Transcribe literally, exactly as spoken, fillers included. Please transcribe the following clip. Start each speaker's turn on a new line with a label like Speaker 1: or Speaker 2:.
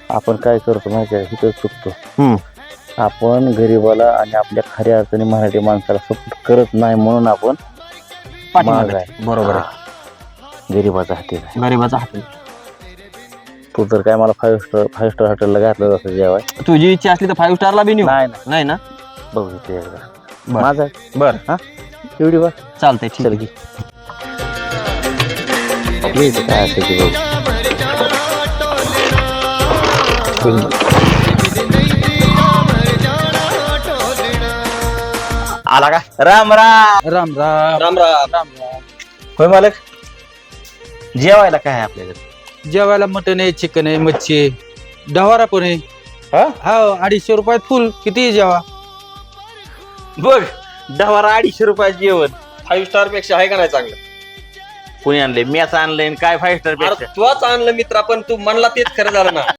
Speaker 1: आपण काय करतो माहिती आहे इथं चुकतो.
Speaker 2: हम्म.
Speaker 1: आपण गरीबाला आणि आपल्या खऱ्या अर्थाने मराठी माणसाला सपोर्ट करत नाही म्हणून आपण
Speaker 2: पाठीमागे
Speaker 1: माग आहे.
Speaker 2: बरोबर आहे.
Speaker 1: गरीबाचा हाती आहे.
Speaker 2: गरीबाचा हात.
Speaker 1: तू तर काय मला फाईव्ह स्टार फाईव्ह स्टार हॉटेलला घातलं जसं जेवाय.
Speaker 2: तुझी इच्छा असली तर फाईव्ह स्टारला बी नेऊ.
Speaker 1: नाही नाही
Speaker 2: नाही ना.
Speaker 1: बघू इथे एकदा.
Speaker 2: बरं.
Speaker 1: माझा
Speaker 2: बर
Speaker 1: हा एवढी बा
Speaker 2: चालतंय ठीक
Speaker 1: चल
Speaker 2: आहे.
Speaker 1: की ये इथे काय असेल ते बघू.
Speaker 2: आला का? राम राम
Speaker 3: राम राम
Speaker 2: राम राम
Speaker 3: राम
Speaker 2: होय मालक. जेवायला काय आहे आपल्याकडे?
Speaker 3: जेवायला मटन आहे, चिकन आहे, मच्छी आहे, डवारा पण आहे.
Speaker 2: हा
Speaker 3: हा अडीचशे रुपयात फुल किती जेवा.
Speaker 2: बघ दहा अडीचशे रुपयाचं जेवण फाईव्ह स्टार पेक्षा आहे का नाही चांगलं? कोणी आणलंय? मॅच आणलंय काय फाईव्ह स्टार पेक्षा?
Speaker 4: तुच आणलं मित्रा पण तू म्हणला तेच खरं झालं ना.